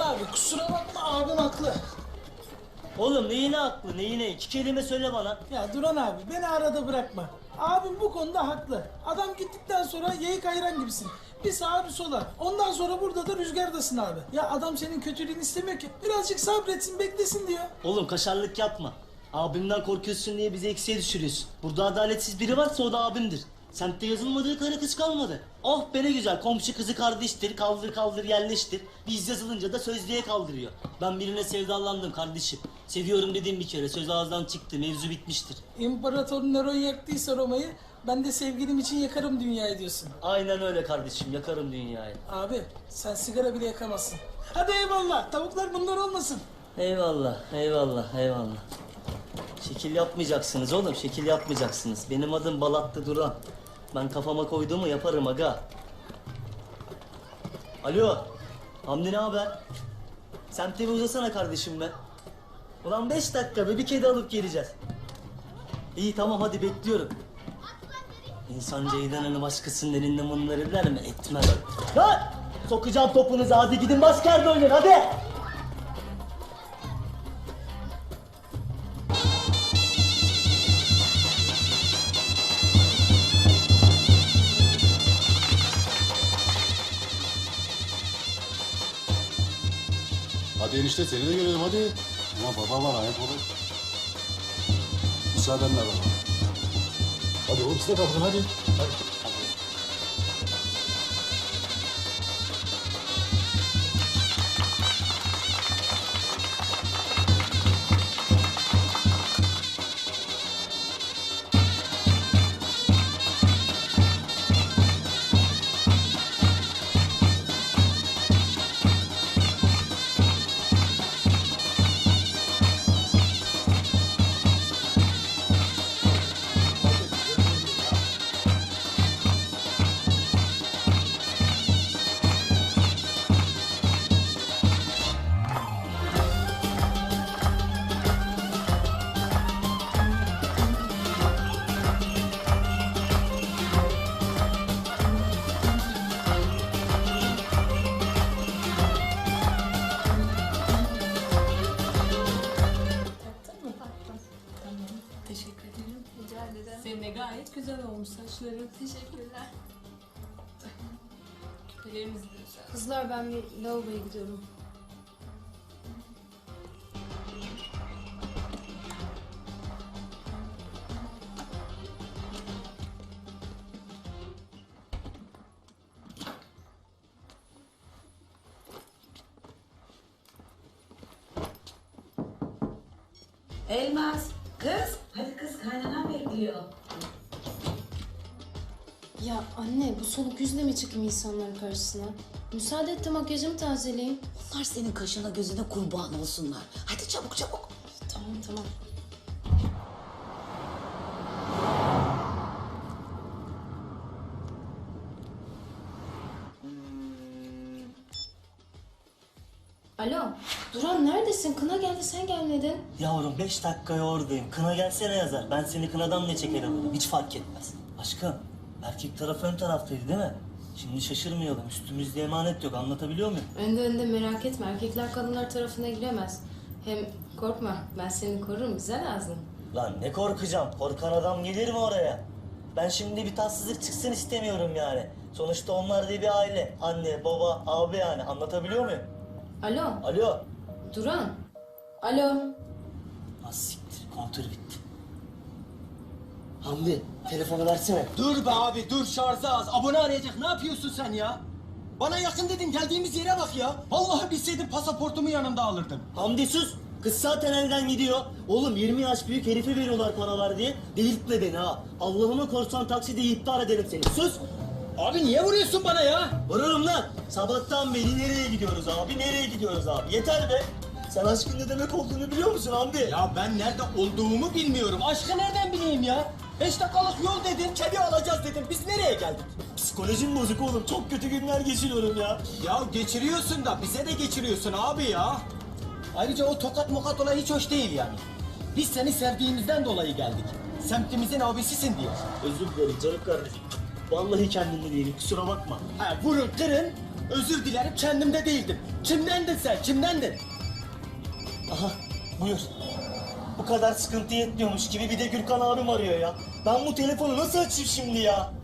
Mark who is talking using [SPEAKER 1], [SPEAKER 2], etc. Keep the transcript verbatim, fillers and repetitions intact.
[SPEAKER 1] abi kusura bakma abim haklı.
[SPEAKER 2] Oğlum neyine haklı neyine? İki kelime söyle bana.
[SPEAKER 1] Ya Duran abi beni arada bırakma. Abim bu konuda haklı. Adam gittikten sonra yayık ayran gibisin. Bir sağa bir sola. Ondan sonra burada da rüzgardasın abi. Ya adam senin kötülüğünü istemiyor ki. Birazcık sabretsin beklesin diyor.
[SPEAKER 2] Oğlum kaşarlık yapma. Abimden korkuyorsun diye bizi eksiğe düşürüyorsun. Burada adaletsiz biri varsa o da abimdir. Semtte yazılmadığı karı kız kalmadı. Oh be ne güzel, komşu kızı kardeştir, kaldır kaldır yerleştir. Biz yazılınca da sözlüğe kaldırıyor. Ben birine sevdalandım kardeşim. Seviyorum dediğim bir kere, söz ağızdan çıktı, mevzu bitmiştir.
[SPEAKER 1] İmparator Neron yaktıysa Roma'yı, ben de sevgilim için yakarım dünyayı diyorsun.
[SPEAKER 2] Aynen öyle kardeşim, yakarım dünyayı.
[SPEAKER 1] Abi sen sigara bile yakamazsın. Hadi eyvallah, tavuklar bunlar olmasın.
[SPEAKER 2] Eyvallah, eyvallah, eyvallah. Şekil yapmayacaksınız oğlum, şekil yapmayacaksınız. Benim adım Balatlı Duran. Ben kafama koyduğumu yaparım aga. Alo, Hamdi ne haber? Semte bir uzasana kardeşim be. Ulan beş dakika be, bir kedi alıp geleceğiz. İyi tamam hadi bekliyorum. İnsan ceydanını başkasının elinde mınlar eder mi? Etmez. Lan! Sokacağım topunuzu, hadi gidin başka yerde oynayın hadi!
[SPEAKER 3] Hadi enişte seni de görelim hadi. Ama baba var ayak olur. Müsaadenle baba. Hadi oğlum siz de kalkın hadi. Hadi.
[SPEAKER 4] Senin de gayet güzel olmuş saçların.
[SPEAKER 5] Teşekkürler.
[SPEAKER 4] Küpelerimiz de güzel.
[SPEAKER 5] Kızlar ben bir lavaboya gidiyorum.
[SPEAKER 6] Elmas, kız. Hadi kız kaynanan bekliyor.
[SPEAKER 5] Ya anne bu soluk yüzle mi çıkayım insanların karşısına? Müsaade et de makyajımı tazeleyeyim.
[SPEAKER 6] Onlar senin kaşına gözüne kurban olsunlar. Hadi çabuk çabuk.
[SPEAKER 5] Tamam tamam. Alo, Duran neredesin? Kına geldi, sen gelmedin.
[SPEAKER 2] Yavrum beş dakikaya oradayım. Kına gelsene yazar. Ben seni kınadan ne çekerim? Hiç fark etmez. Aşkım, erkek taraf ön taraftaydı değil mi? Şimdi şaşırmayalım. Üstümüzde emanet yok. Anlatabiliyor muyum?
[SPEAKER 5] Önde önde merak etme. Erkekler kadınlar tarafına giremez. Hem korkma, ben seni korurum. Bize lazım.
[SPEAKER 2] Lan ne korkacağım? Korkan adam gelir mi oraya? Ben şimdi bir tatsızlık çıksın istemiyorum yani. Sonuçta onlar da bir aile. Anne, baba, abi yani. Anlatabiliyor muyum?
[SPEAKER 5] Alo,
[SPEAKER 2] Alo.
[SPEAKER 5] Duran. Alo.
[SPEAKER 2] Ha siktir. Kontör bitti. Hamdi, telefonu versene.
[SPEAKER 7] Dur be abi dur şarjı az. Abone arayacak ne yapıyorsun sen ya? Bana yakın dedim geldiğimiz yere bak ya. Vallahi bilseydim pasaportumu yanımda alırdım.
[SPEAKER 2] Hamdi sus. Kız zaten elden gidiyor. Oğlum yirmi yaş büyük herife veriyorlar paralar diye. Delirtme beni ha. Allah'ıma korsan takside iptal ederim seni. Sus.
[SPEAKER 7] Abi niye vuruyorsun bana ya?
[SPEAKER 2] Vururum lan. Sabahtan beri nereye gidiyoruz abi? Nereye gidiyoruz abi? Yeter be. Sen aşkın ne demek olduğunu biliyor musun Hamdi?
[SPEAKER 7] Ya ben nerede olduğumu bilmiyorum. Aşkı nereden bileyim ya? Beş dakikalık yol dedin, kedi alacağız dedim. Biz nereye geldik?
[SPEAKER 2] Psikolojim bozuk oğlum. Çok kötü günler geçiriyorum ya.
[SPEAKER 7] Ya geçiriyorsun da bize de geçiriyorsun abi ya. Ayrıca o tokat mokat olayı hiç hoş değil yani. Biz seni sevdiğimizden dolayı geldik. Semtimizin abisisin diye.
[SPEAKER 2] Özür dilerim canım kardeşim. Vallahi kendimde değilim. Kusura bakma.
[SPEAKER 7] Ha, vurun kırın, Özür dilerim kendimde değildim. Kimdendin sen? Kimdendin?
[SPEAKER 2] Aha buyur. Bu kadar sıkıntı yetmiyormuş gibi bir de Gürkan abim arıyor ya. Ben bu telefonu nasıl açayım şimdi ya?